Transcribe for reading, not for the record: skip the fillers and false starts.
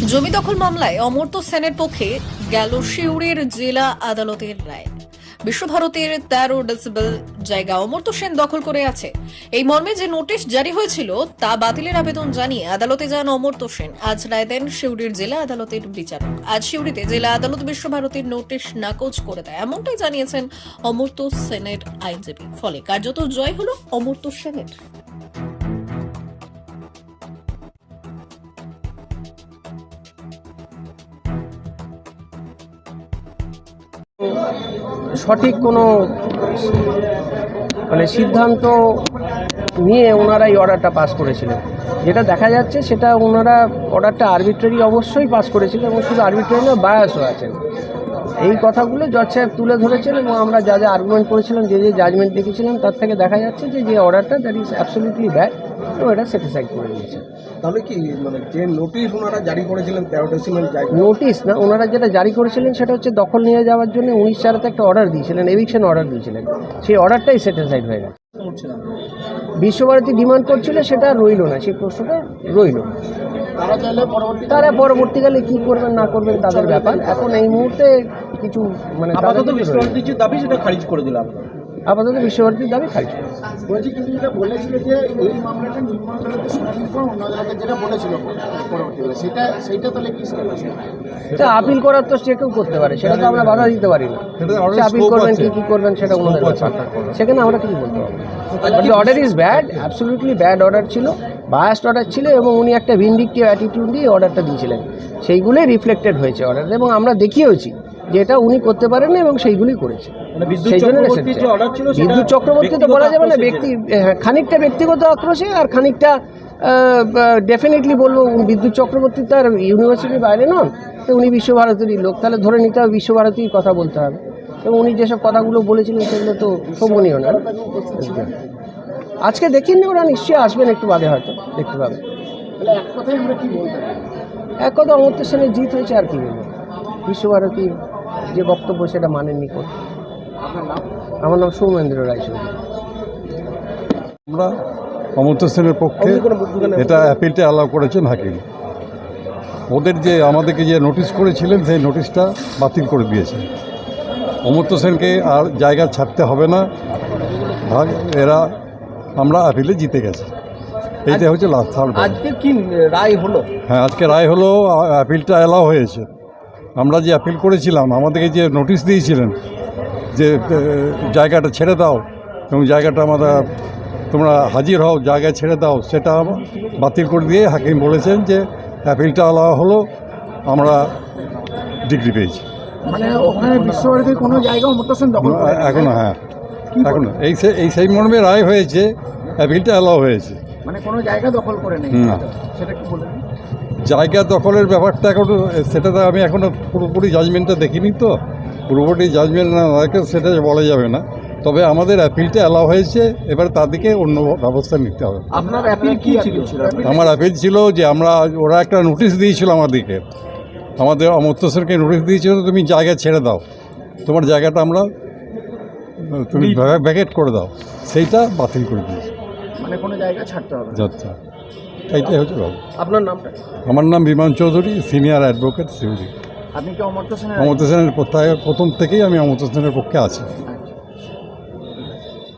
জমি দখল মামলায় অমর্ত্য সেনের পক্ষে গেল সিউড়ির জেলা আদালতের রায়। বিশ্বভারতীর 13 ডেসিবেল জায়গা অমর্ত্য সেন দখল করে আছে। এই মর্মে যে নোটিশ জারি হয়েছিল তা বাতিলের আবেদন জানিয়ে আদালতে যান অমর্ত্য সেন। আজ রায় দেন সিউড়ির জেলা আদালতের বিচারক। আজ সিউড়িতে জেলা আদালত বিশ্বভারতীর নোটিশ নাকচ করে দেয়, এমনটাই জানিয়েছেন অমর্ত্য সেনের আইনজীবী। ফলে কার্যত জয় হলো অমর্ত্য সেনের। সঠিক কোনো সিদ্ধান্ত নিয়ে ওনারা এই অর্ডারটা পাস করেছিলেন। যেটা দেখা যাচ্ছে সেটা ওনারা অর্ডারটা আরবিট্রারি অবশ্যই পাস করেছিলেন এবং শুধু আরবিট্রারি না, বায়াসও আছেন। এই কথাগুলো জজ সাহেব তুলে ধরেছেন এবং আমরা যা যা আর্গুমেন্ট করেছিলাম, যে জাজমেন্ট দেখেছিলাম, তার থেকে দেখা যাচ্ছে যে অর্ডারটা দ্যাট ইজ অ্যাবসলিউটলি ব্যাড এবং এটা স্যাটিসফাইড করে দিয়েছে। তাহলে কি যে নোটিশ ওনারা জারি করেছিলেন 13 ডেসিমেল জায়গা, নোটিশ না, ওনারা যেটা জারি করেছিলেন সেটা হচ্ছে দখল নিয়ে যাওয়ার জন্য 19/4-তে একটা অর্ডার দিয়েছিলেন, এভিকশন অর্ডার দিয়েছিলেন। সেই অর্ডারটাই স্যাটিসফাইড হয়ে গেছে। বিশ্বভারতী ডিমান্ড করছিল, সেটা রইল না, সেই প্রশ্নটা রইল। তারা পরবর্তীকালে কি করবেন না করবেন তাদের ব্যাপার। এখন এই মুহূর্তে কিছু আপাতত বিশ্বভারতীর যে দাবি সেটা খারিজ করে দিলাম। আপাতত বিশ্বভারতীর দাবি খারিজ করে বলছি, কিন্তু যেটা বলেছিল যে এই মামলাটা নিম্ন আদালতে শুনানির পর অন্য আদালতে যেটা বলেছিল পরবর্তীকালে সেইটা তাহলে কি এটা আপিল করার তো যে কেউ করতে পারে, সেটা তো আমরা বাধা দিতে পারি না। আপিল করবেন কি করবেন সেটা ওনাদের ব্যাপার, সেখানে আমরা কিছু বলতে পারবো না। But the order is bad, absolutely bad order ছিল, বায়াসড অর্ডার ছিল এবং উনি একটা ভিন্ডিকটিভ অ্যাটিটিউড দিয়ে অর্ডারটা দিয়েছিলেন। সেইগুলোই রিফ্লেক্টেড হয়েছে অর্ডার, এবং আমরা দেখিয়েওছি যে এটা উনি করতে পারেন না এবং সেইগুলি করেছে। সেই জন্য বিদ্যুৎ চক্রবর্তী তো বলা যাবে না, খানিকটা ব্যক্তিগত আক্রোশে আর খানিকটা ডেফিনেটলি বলবো বিদ্যুৎ চক্রবর্তী তার ইউনিভার্সিটির বাইরে নন, তো উনি বিশ্বভারতীরই লোক, তাহলে ধরে নিতে হবে বিশ্বভারতীর কথা বলতে হবে। এবং উনি যেসব কথাগুলো বলেছিলেন সেগুলো তো শোভনীয় না। আজকে দেখিনি, ওরা নিশ্চয়ই আসবেন একটু বাদে, হয়তো দেখতে পাবেন। এক কথায় আমরা কি বলতে পারি? এক কথা, অমর্ত্য সেনের জিত হয়েছে, আর কি বলবো। বিশ্বভারতীর যে বক্তব্য সেটা মানেননি কোর্ট। আমার নাম সৌমেন্দ্র রায়চৌধুরী। আমরা অমর্ত্য সেনের পক্ষে এটা অ্যাপিলটা অ্যালাউ করেছেন হাকিম। ওদের যে আমাদেরকে যে নোটিশ করেছিলেন সেই নোটিশটা বাতিল করে দিয়েছেন। অমর্ত্য সেনকে আর জায়গা ছাড়তে হবে না, এরা আমরা অ্যাপিলে জিতে গেছি। এইটা হচ্ছে লাস্ট থার্ড। আজকে কি রায় হলো? হ্যাঁ, আজকে রায় হলো, অ্যাপিলটা অ্যালাউ হয়েছে। আমরা যে অ্যাপিল করেছিলাম, আমাদেরকে যে নোটিশ দিয়েছিলেন যে জায়গাটা ছেড়ে দাও এবং জায়গাটা তোমরা হাজির হও, জায়গায় ছেড়ে দাও, সেটা বাতিল করে দিয়ে হাকিম বলেছেন যে অ্যাপিলটা আলাদা হলো, আমরা ডিগ্রি পেয়েছি। মানে ওখানে বিশ্বভারতীর কোনো জায়গা অমর্ত্য সেন দখল করে এখনো, হ্যাঁ এখনো এই সেই মর্মে রায় হয়েছে, অ্যাপিলটা অ্যালাউ হয়েছে। মানে কোনো জায়গা দখল করে নেই, না, সেটা কি বলবেন? জায়গা দখলের ব্যাপারটা এখনো, সেটাতে আমি এখনও পুরোপুরি জাজমেন্টটা দেখিনি, তো পুরোপুরি জাজমেন্ট না সেটা বলা যাবে না। তবে আমাদের অ্যাপিলটা অ্যালাউ হয়েছে, এবার তাদেরকে অন্য ব্যবস্থা নিতে হবে। আপনার অ্যাপিল কি ছিল? আমার অ্যাপিল ছিল যে ওরা একটা নোটিশ দিয়েছিল আমাদেরকে, আমাদের অমর্ত্য সেনকে নোটিশ দিয়েছিল, তুমি জায়গা ছেড়ে দাও, তোমার জায়গাটা তুমি ভ্যাকেট করে দাও, সেইটা বাতিল করে দিয়েছি। মানে কোনো জায়গা ছাড়তে হবে আচ্ছা, এইটাই হচ্ছে ব্যাপার। আপনার নামটা? আমার নাম বিমান চৌধুরী, সিনিয়র অ্যাডভোকেট সিউড়ি। আপনি কি অমর্ত্য সেনের? অমর্ত্য সেনের প্রথম থেকেই আমি অমর্ত্য সেনের পক্ষে আছি।